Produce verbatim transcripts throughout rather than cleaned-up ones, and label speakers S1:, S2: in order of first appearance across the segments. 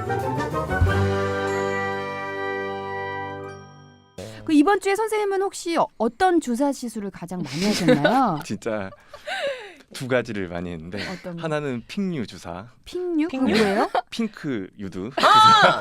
S1: 그 이번 주에 선생님은 혹시 어, 어떤 주사 시술을 가장 많이 하셨나요?
S2: 진짜 두 가지를 많이 했는데
S1: 어떤
S2: 하나는 핑유 주사,
S1: 핑유?
S3: 핑유?
S1: 뭐예요?
S2: 핑크 유두.
S3: 아!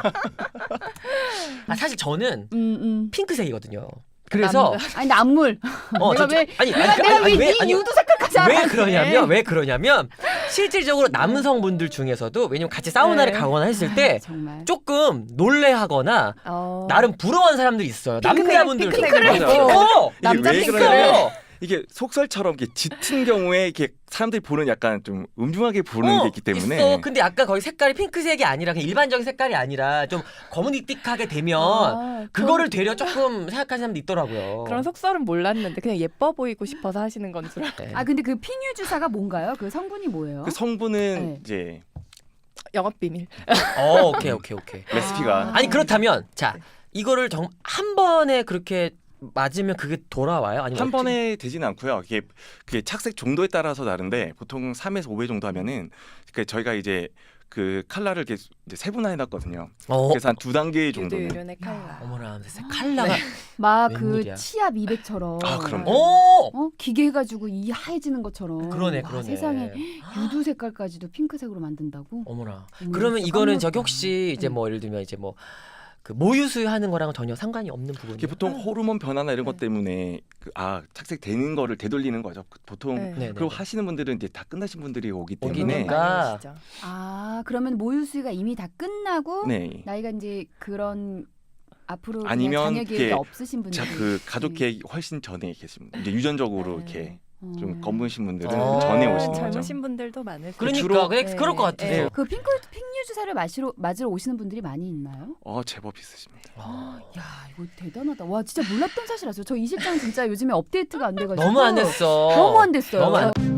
S3: 아 사실 저는
S1: 음, 음.
S3: 핑크색이거든요. 그래서
S1: 아니 근데 안물.
S3: 어,
S1: 내가
S3: 진짜-
S1: 왜
S3: 아니,
S1: 내가
S3: 아니,
S1: 내가
S3: 아니,
S1: 왜
S3: 왜-
S1: 이
S3: 아니,
S1: 유두 색깔까지
S3: 왜
S1: 알았네.
S3: 그러냐면 왜 그러냐면 실질적으로 남성분들 중에서도 왜냐면 같이 사우나를
S4: 네.
S3: 가거나 했을 때
S1: 아, 정말.
S3: 조금 놀래하거나
S4: 어.
S3: 나름 부러워하는 사람들이 있어요.
S4: 핑크색,
S3: 남자분들
S4: 핑크색을
S2: 맞아.
S3: 어!
S4: 남자
S2: 이게 왜
S4: 핑크를.
S2: 그러냐면 이게 속설처럼 이렇게 짙은 경우에 이렇게 사람들이 보는 약간 좀 음흉하게 보는
S3: 어,
S2: 게 있기 때문에
S3: 있어. 근데 약간 거의 색깔이 핑크색이 아니라 그냥 일반적인 색깔이 아니라 좀 검은익틱하게 되면
S4: 아,
S3: 그거를 되려 조금 생각하는 사람도 있더라고요.
S4: 그런 속설은 몰랐는데 그냥 예뻐 보이고 싶어서 하시는 건 줄 알았어요.
S3: 네.
S1: 아 근데 그 핑유 주사가 뭔가요? 그 성분이 뭐예요?
S2: 그 성분은
S1: 네.
S2: 이제
S4: 영업 비밀.
S3: 어, 오케이 오케이 오케이.
S2: 레시피가
S1: 아.
S3: 아니 그렇다면 자 이거를 정, 한 번에 그렇게 맞으면 그게 돌아와요? 아니면
S2: 한
S3: 어떻게?
S2: 번에 되지는 않고요. 이게 그게 착색 정도에 따라서 다른데 보통 삼에서 오 배 정도 하면은 그 저희가 이제 그 칼라를 이렇게 이제 세분화해 놨거든요.
S3: 어,
S2: 그래서 한 두 단계
S4: 유두
S2: 정도는.
S4: 유륜의 칼라.
S3: 어머나 칼라가
S1: 막 그
S3: 웬일이야.
S1: 치아 미백처럼.
S2: 아, 그럼요.
S3: 오
S1: 어 기계 해가지고 이 하얘지는 것처럼.
S3: 그러네
S1: 와,
S3: 그러네.
S1: 세상에 유두 색깔까지도 핑크색으로 만든다고?
S3: 어머나.
S1: 어머,
S3: 그러면
S1: 진짜
S3: 이거는
S1: 깜놀랐다.
S3: 저기 혹시 이제
S1: 네.
S3: 뭐 예를 들면 이제 뭐 그 모유수유 하는 거랑 전혀 상관이 없는 부분이에요.
S2: 이게 보통 호르몬 변화나 이런 것
S4: 네.
S2: 때문에 그, 아 착색 되는 거를 되돌리는 거죠. 그 보통
S4: 네.
S3: 네,
S2: 그리고
S3: 네.
S2: 하시는 분들은 이제 다 끝나신 분들이 오기
S3: 오기는
S2: 때문에
S3: 그러니까.
S4: 많이 하시죠.
S1: 아 그러면 모유수유가 이미 다 끝나고
S2: 네.
S1: 나이가 이제 그런 앞으로 그냥
S2: 아니면
S1: 자녀 계획이
S2: 이렇게
S1: 없으신 분들.
S2: 자, 그 가족 계획이 훨씬 전에 계신 분, 이제 유전적으로
S4: 네.
S2: 이렇게
S1: 어.
S2: 좀 검으신 분들은
S3: 어.
S2: 전에
S3: 네,
S2: 오시는 거죠.
S4: 젊으신 분들도 많으세요.
S3: 그러니까
S2: 주로-
S3: 그래,
S4: 네.
S3: 그럴 것 같아서.
S4: 네.
S1: 그 핑크 핑유 주사를 마시러 맞으러 오시는 분들이 많이 있나요?
S2: 어 제법 있으십니다.
S3: 아,
S1: 야 이거 대단하다. 와 진짜 몰랐던 사실 아세요? 저 이 실장 진짜 요즘에 업데이트가 안 돼가지고
S3: 너무 안 됐어.
S1: 너무 안 됐어요.
S3: 너무 안